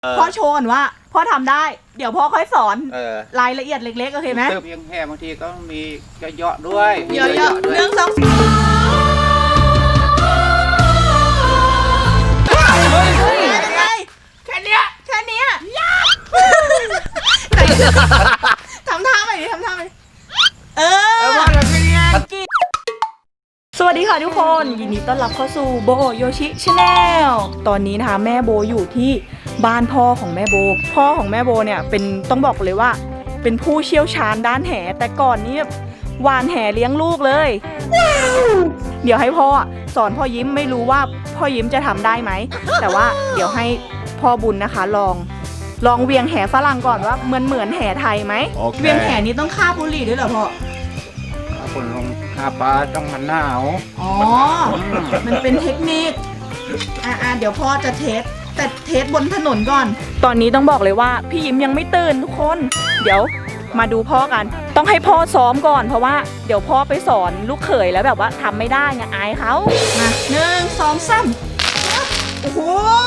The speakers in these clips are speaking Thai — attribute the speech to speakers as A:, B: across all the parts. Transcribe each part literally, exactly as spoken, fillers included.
A: พ่อโชว์ก่อนว่าพ่อทำได้เดี๋ยวพ่อค่อยสอน
B: เออ
A: รายละเอียดเล็กๆโอเคไหม
B: เพียงแค่บางทีก็มีเยอะๆด้วย
A: เยอะๆเรื่องสองยังไงแค่เนี้ยแค่เนี้ยยากไหนทำท่าไปดิทำท่าไปเออสวัสดีค่ะทุกคนยินดีต้อนรับเข้าสู่โบโยชิชาแนลตอนนี้นะคะแม่โบอยู่ที่บ้านพ่อของแม่โบพ่อของแม่โบเนี่ยเป็นต้องบอกเลยว่าเป็นผู้เชี่ยวชาญด้านแหแต่ก่อนนี้วานแหเลี้ยงลูกเลยเดี๋ยวให้พ่อสอนพ่อยิ้มไม่รู้ว่าพ่อยิ้มจะทำได้ไหมแต่ว่าเดี๋ยวให้พ่อบุญนะคะลองลองเวียงแหฝรั่งก่อนว่าเหมือนเหมือนแหไทยไหม
B: okay.
A: เวียงแหนี้ต้องฆ่าบุหรี่ด้วยเหรอพ่อ
B: คนลงคาปลาต้องมันหนาว
A: อ๋อมันเป็นเทคนิคอ่าเดี๋ยวพ่อจะเทสแต่เทสบนถนนก่อนตอนนี้ต้องบอกเลยว่าพี่ยิ้มยังไม่ตื่นทุกคนเดี๋ยวมาดูพ่อกันต้องให้พ่อซ้อมก่อนเพราะว่าเดี๋ยวพ่อไปสอนลูกเขยแล้วแบบว่าทำไม่ได้ไงอายเขามาหนึ่งสองสามโอ้โห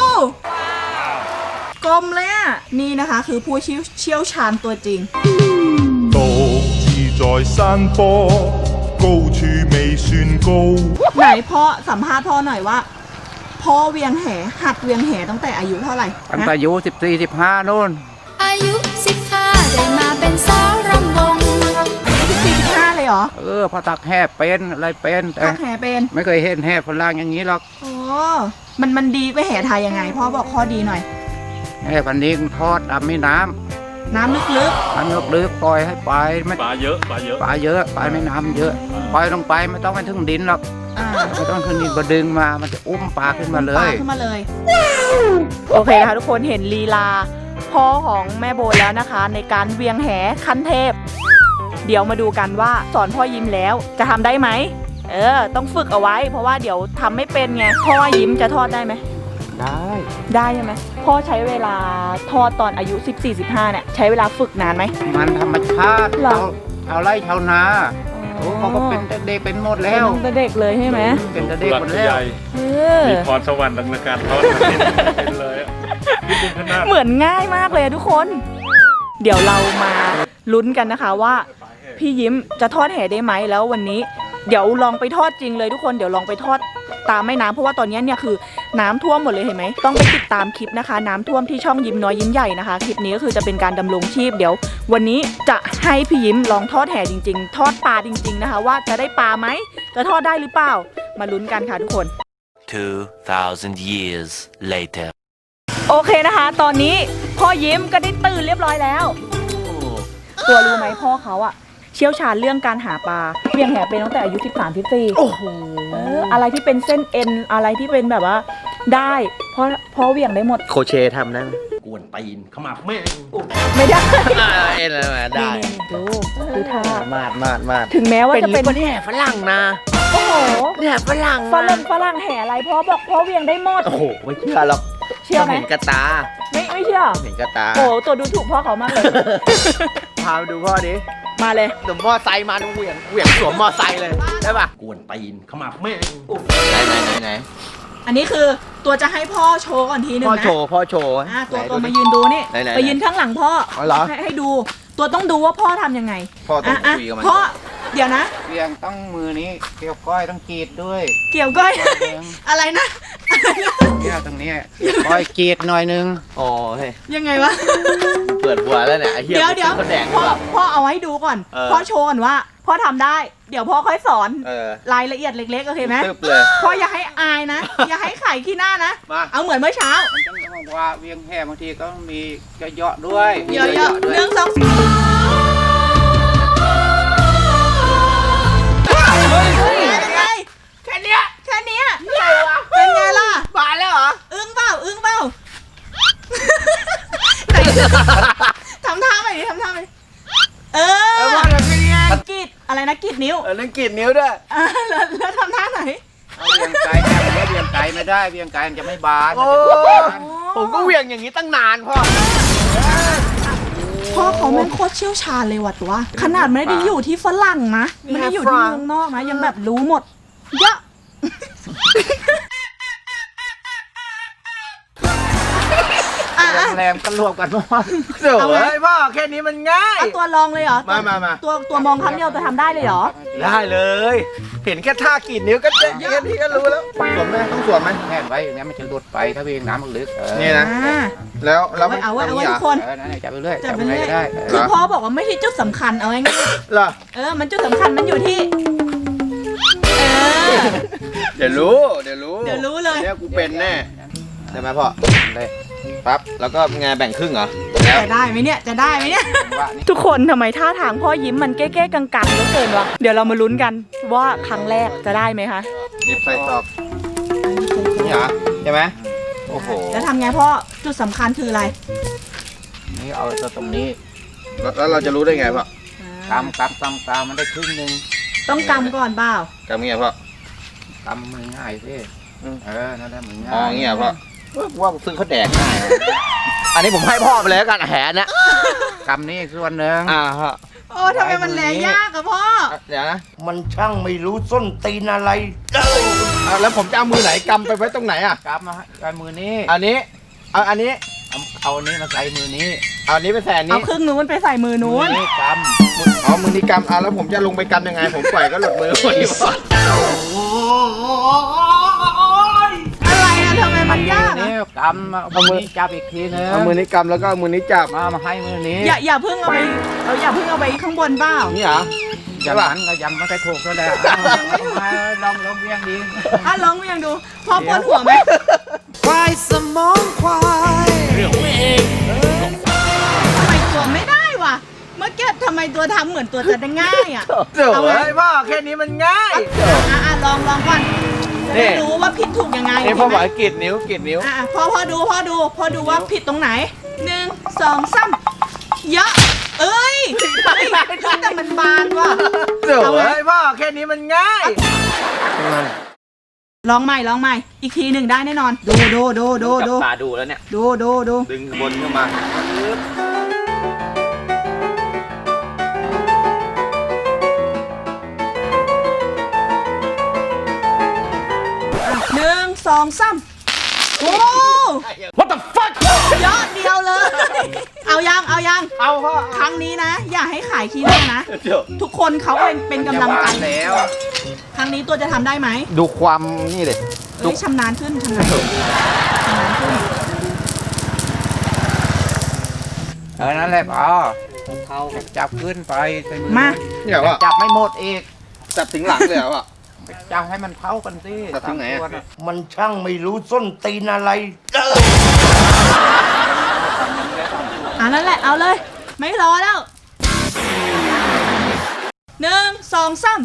A: กลมเลยอ่ะนี่นะคะคือผู้เชี่ยวชาญตัวจริง
C: 獨自在山坡高處未算高
A: ไหนพ่อสัมภาษณ์พ่อหน่อยว่าพ่อเวียงแหหัดเวียงแหตั้งแต่อายุเท่าไหร่
B: ตั้งแต่อายุสิบสี่สิบห้านู่น
D: อายุสิบห้าได้มาเป็นสาวรำวง
A: สิบสี่สิบห้าเลยเหรอ
B: เออพอตักแห่เป็นอะไรเป็น
A: ตักแห่เป็น
B: ไม่เคยเห็นแห่ฝรั่งอย่างนี้หรอก
A: โอ้มันมันดีไปแห่ไทยยังไงพ่อบอกข้อดีหน่อย
B: แห่พันนี้ทอดตามแม่น้ำ
A: น้ำลึก
B: ๆน้ำลึกๆปล่อยให้ไปไม่
E: ปลาเยอะปลาเยอะ
B: ปลาเยอะปลาแม่น้ำเยอะปล่อยลงไปไม่ต้องไปถึงดินหรอกไม่ต้องขึ้นดินก็ดึงมามันจะอุ้มปลาขึ้นมาเลย
A: ปลาขึ้นมาเลยโอเคนะคะทุกคนเห็นลีลาพ่อของแม่โบแล้วนะคะในการเวียงแหขั้นเทพเดี๋ยวมาดูกันว่าสอนพ่อยิ้มแล้วจะทำได้ไหมเออต้องฝึกเอาไว้เพราะว่าเดี๋ยวทำไม่เป็นไงพ่อยิ้มจะทอดได้ไหม
B: ได้
A: ได้ใช่ไหมพ่อใช้เวลาทอดตอนอายุสิบสี่ สิบห้าเนี่ยใช้เวลาฝึกนานไหม
B: มันธรรมชาติเราเอาไร่ชาวนาโอ้เขาก็เป็นเด็กเป็นหมดแล้ว
A: เป็นเด็กเลยใช่ไหม
B: เป็นเด็กหมดแล้ว
E: มีพรสวรรค์ในการทอดเป็นเลย
A: เหมือนง่ายมากเลยทุกคนเดี๋ยวเรามาลุ้นกันนะคะว่าพี่ยิ้มจะทอดแห่ได้ไหมแล้ววันนี้เดี๋ยวลองไปทอดจริงเลยทุกคนเดี๋ยวลองไปทอดตามแม่น้ำเพราะว่าตอนนี้เนี่ยคือน้ำท่วมหมดเลยเห็นไหมต้องไปติดตามคลิปนะคะน้ำท่วมที่ช่องยิ้มน้อยยิ้มใหญ่นะคะคลิปนี้ก็คือจะเป็นการดำรงชีพเดี๋ยววันนี้จะให้พี่ยิ้มลองทอดแห่จริงๆทอดปลาจริงๆนะคะว่าจะได้ปลาไหมจะทอดได้หรือเปล่ามาลุ้นกันค่ะทุกคน
F: two thousand years later
A: โอเคนะคะตอนนี้พ่อยิ้มก็ได้ตื่นเรียบร้อยแล้วตัวรู้ไหมพ่อเขาอะเชี่ยวชาญเรื่องการหาปลาเวียงแหเป็นตั้งแต่อายุสิบสาม สิบสี่โอ้โหอะไรที่เป็นเส้นเอ็นอะไรที่เป็นแบบว่าได้เพราะเพราะเวียงได้หมด
G: โคเชทำได้ไหมกวนตีนขมับแม่
A: ไม่ได้
G: เอ็นอะไรได้
A: ดูดูท่า
G: มาดมาดมาด
A: ถึงแม้ว่าจะเป็น
G: แห่ฝรั่งนะ
A: โอ้โห
G: แห่ฝรั่ง
A: ฝรั่งฝรั่งแห่อะไรพ่อบอกพ่อเวียงได้หมด
G: โอ้โหไม่เชื่อหรอก
A: เชื่อไหม
G: เห็นกระตา
A: ไม่ไม่เชื่อ
G: เห็นกระตา
A: โอ้ตัวดูถูกพ่อเขามากเลย
G: พาไปดูพ่อดิ
A: มาเลย
G: เดี๋ยวมอไซค์มาดูเหวี่ยงเหวี่ยงสวมมอไซค์เลยได้ป่ะกวนตีนขมับแม่ไหนไหนไหนไหน
A: อันนี้คือตัวจะให้พ่อโชว์ก่อนทีนึงนะ
G: พ่อโชว์พ่อโชว์
A: อ่ะตัวตัวมายืนดูนี่ไปยืนข้างหลังพ่อให้ให้ดูตัวต้องดูว่าพ่อทำยังไง
G: พ่อต้องคุยกับมัน
A: พ่อเดี๋ยวนะ
B: เวียงต้องมือนี้เกี่ยวก้อยต้องกรีดด้วย
A: เกี่ยวก้อยอะไรนะ
B: เนี่ยตรงนี้ก้อยกรีดหน่อยนึง
G: อ๋อเฮ้ย
A: ยังไงวะ
G: เปิดบัวแล้วเนี่ยไอ้เหี้ย
A: เดี๋ยวเดี๋ยวพ่อพ่อเอาให้ดูก่อนพ่อโชว์ก่อนว่าพ่อทำได้เดี๋ยวพ่อค่อยสอนรายละเอียดเล็กๆโอเคไหมพ่ออย่าให้อายนะอย่าให้ไข่ขี้หน้านะเอาเหมือนเมื่อเช้า
B: ต้องว่าเวียงแห่บางทีก็มีเยอะๆด้วย
A: เยอะๆเรื่องสองยังไงแค่เนี้ยแค่เนี้ยเป็นไงล่ะ
G: บานแล้วเหรอ
A: อึ้งเปล่าอึ้งเปล่าไหนทำท่าไปดิทำท่าไปเออกรีดอะไรนะกรีดนิ้ว
G: เออนั่นกรีดนิ้วด้วย
A: แล้วแล้วทำท่าไหน
B: เวียงไกลไม่เวียงไกลไม่ได้เวียงไกลมันจะไม่บาน
G: ผมก็เวียงอย่างนี้ตั้งนานพ่อ
A: พ่อเขาแม่งโคตรเชี่ยวชาญเลยว่ะตัวขนาดไม่ได้อยู่ที่ฝรั่งนะไม่ได้อยู่ที่เมืองนอกนะยังแบบรู้หมดเยอะ
B: แรงกันรวมกันหมด
G: เดี๋ยวเฮ้ยพ่อแค่นี้มันง่าย
A: เอาตัวลองเลยเหรอ
G: มามามา
A: ตัวตัวมองครั้งเดียวจะทำได้เลยเหรอ
G: ได้เลย เห็นแค่ท่ากรีดนิ้วก็เจ๊แค่นี้ก็รู้แล้วสวมไหมต้องสวมไหม
B: แน่นไว้อย่างนี้มันจะหลุดไปถ้าเวงน้ำมันลึกเออ
G: นี่นะ
A: อ่า
G: แล้วแล้ว
A: เอาไว้เอาไว้
G: ทำย่ง
A: ทุกคน
B: เออนั่นแหละจับไปเรื่อย
A: จับไป
B: ไง
A: เรื่อย
B: ก็ได้เอ
A: คือ
B: อ
A: พ่อบอกว่าไม่ใช่จุดสำคัญเอาง่าย
G: เหรอ
A: ๆเออ มันจุดสำคัญมันอยู่ที่ เออ
G: เดี๋ยวรู้เดี๋ยวรู้
A: เดี๋ยวรู้เลย
G: เนี่ยกูเป็นแน่ใช่ไหมพ่อ
B: เลย
G: ปั๊บแล้วก็ไงแบ่งครึ่งเหรอ
A: จะได้ไหมเนี่ย จะได้ไหมเนี่ย
B: ว่านี่
A: ทุกคนทำไมท่าทางพ่อยิ้มมันเก้ๆกังๆเหลือเกินวะ เดี๋ยวเรามาลุ้นกันว่าครั้งแรกจะได้ไหมคะ
G: หยิบใส่ซอกนี่เหรอใช่ไหมโอ้โห
A: แล้วทำไงพ่อ จุดสำคัญคืออะไร
B: นี่เอาตัวตรงนี้
G: แล้วแล้วเราจะรู้ได้ไงพ่อก
B: ำกำกำกำมันได้ครึ่งหนึ่ง
A: ต้องกำก่อนเปล่า
G: กำเงี้ยพ่อก
B: ำมือง่ายสิเออนั่นแหละมือง่าย
G: อ๋อเงี้ยพ่อเอ้ยว่าซื้อเขาแดกง่ายอันนี้ผมให้พ่อไปเลยแล้วกันแหนนะ
B: กำนี่ส่วนหนึ่ง
G: อ่าฮะ
A: โอ้ทำไมมันแลยากอะพ่อ
G: เดี๋ยวนะ
H: มันช่างไม่รู้ส้นตีนอะไร
G: เอาแล้วผมจะเอามือไหนกำไปไว้ตรงไหนอ่ะ
B: กำมาให้มือนี้
G: อันนี้เอาอันนี้
B: เอาเอาอันนี้มาใส่มือนี้
G: เอาอันนี้ไปแทน
A: เอา
G: นี้
A: ครึ่งนู้นไปใส่มือนู้น
B: มือนี้ก
G: อ๋อมือนี้กำอ่ะแล้วผมจะลงไปกำยังไง ผมปล่อยก็หลุดมือพอดีพ่อ
A: อะไรอะทำไมมัน
B: ำ
A: ยาก
B: มือ
A: อะ
B: นี้กำเอามือนี้จับอีกทีนึง
G: เอามือนี้กำแล้วก็เอามือนี้จับ
B: มามาให้มือนี้
A: อย่าอย่าเพิ่งเอาไปเอาอย่าเพิ่งเอาไปข้างบนเปล่า
G: นี่เหรอ
B: อย่างนั้นก็ยังไม่ได้ถูกก็ได้เอาเอามาลองลองเวียงดี
A: อ่ะลองเวียงดูพ่อปวดหัวไหม
H: ควายสมองควาย
A: ทำไมตัวไม่ได้วะเมื่อกี้ทำไมตัวทำเหมือนตัวจะได้ง่ายอะ
G: เดี๋ยว
A: เอาไว้
G: เฮ้ยพ่อแค่นี้มันง่าย
A: อ่ะอ่ะลองลองก่อนจะ
G: นี่
A: ได้รู้ว่าผิดถูกยังไง
G: นี่พ่อ
A: เห็น
G: บ
A: ไห
G: อก
A: ม
G: ให้กรีดนิ้วกรีดนิ้ว
A: อ่ะพ่อพ่อดูพ่อดูพ่อดูว่าผิดตรงไหนหนึ่งสองสามเยอะเอ้ยเฮ้ยแต่มันบานว่ะ
G: เดี๋ยว
A: เอาไว้
G: เฮ้ยพ่อแค่นี้มันง่าย
A: ลองใหม่ลองใหม่ อีกทีหนึ่งได้แน่นอน ดูดูดูดูดู
G: ตาดูแล้วเนี่ย
A: ดูดูดู
G: ดึงบนขึ้นมา
A: หนึ่งสองสามโอ้
G: What the fuck
A: ยอดเดียวเลย เอายังเอายัง
G: เอาพ่อ
A: ครั้งนี้นะ อย่าให้ขายขี้หน้านะ
G: เดี๋ยว
A: ทุกคนเขาเป็นเป็นกำลังใจ
B: แล้ว
A: ครั้งนี้ตัวจะทำได้ไหม
G: ดูความนี่เลย
A: เอ้ยชำนาญขึ้นชำนาญขึ้นชำนาญขึ้น
B: เออนั่นแหละพอเขาจับขึ้นไปใส่มือ
A: มา
G: เนี่ยว่า
B: จับไม่หมดอีก
G: จับถึงหลังเลยเหรอวะ
B: จับให้มันเข้ากันสิ
G: จับตรงไหนอะ
B: สามตัวะ
H: มันช่างไม่รู้ส้นตีนอะไร
A: อ่ะนั่นแหละเอาเลย ไม่รอแล้วหนึ่งสองสาม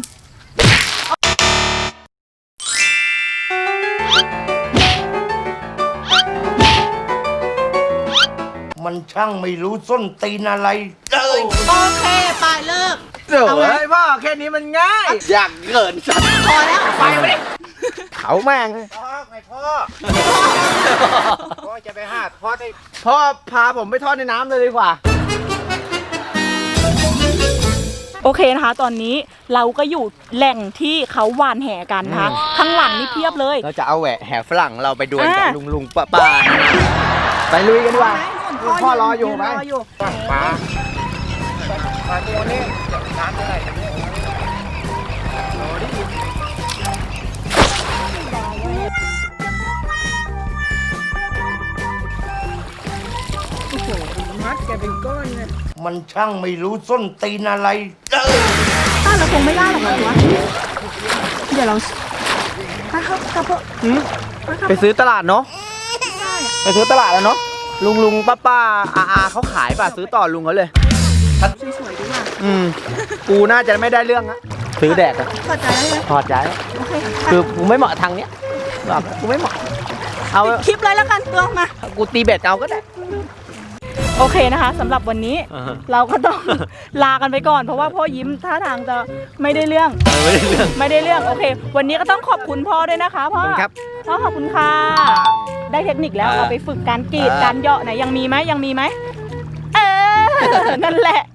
H: มันช่างไม่รู้ส้นตีนอะไร
A: โอเคไปเลิก
G: เดี๋ยว
A: เอาไว้
G: เฮ้ยพ่อแค่นี้มันง่าย อยากเกินสัตว์
A: พอแล้วไปไป
G: เขาแม่งเลย
B: พ่อไม่พ่อพ่อจะไปหาพ่อได้
G: พ่อพาผมไปทอดในน้ำเลยดีกว่า
A: โอเคนะคะ ตอนนี้เราก็อยู่แหล่งที่เขาหวานแห่กันนะคะ ข้างหลังนี่เพียบเลย
G: เราจะเอาแหวะแห่ฝรั่งเราไปดวลกับ
A: อ่า
G: ลุงลุงป้าป้าไปลุยกันดีกว่า
A: นู่น
G: พ่อรออยู่ไหม
A: รออยู่
B: ปลาปลาตัวนี้น้ำเท่าไหร่
H: มันช่างไม่รู้ส้นตีนอะไร
A: ต้านเราคงไม่ได้หรอกมั้งวะเดี๋ยวเราไปครับกระเพาะไปครับ
G: ไปซื้อตลาดเนาะไปซื้อตลาดแล้วเนาะลุงลุงป้าป้าอาอาเขาขายป่ะซื้อต่อลุงเขาเลย
A: สวยๆดีกว่า
G: อืมกูน่าจะไม่ได้เรื่องอะซื้อแดกอะ
A: เข้าใจแล้วใช่ไหม
G: ถอดใจ
A: โอเค
G: คือกูไม่เหมาะทางเนี้ยบอกกูไม่เหมาะเอา
A: คลิปเลยแล้วกันตัวมา
G: กูตีเบ็ดเอาก็ได้
A: โอเคนะคะสำหรับวันนี้เราก็ต้อง ลากันไปก่อน เพราะว่าพ่อยิ้มท่าทางจะไม่ได้เรื่อง
G: ไม่ได้เรื่อง
A: ไม่ได้เรื่องโอเค วันนี้ก็ต้องขอบคุณพ่อด้วยนะคะพ่อ
G: ขอบคุณครับ
A: พ่อขอบคุณค่ะได้เทคนิคแล้ว
G: อ่า
A: เราไปฝึกการกรีด
G: อ่า
A: การเหยาะไหนยังมีไหมยังมีไหมเออ นั่นแหละ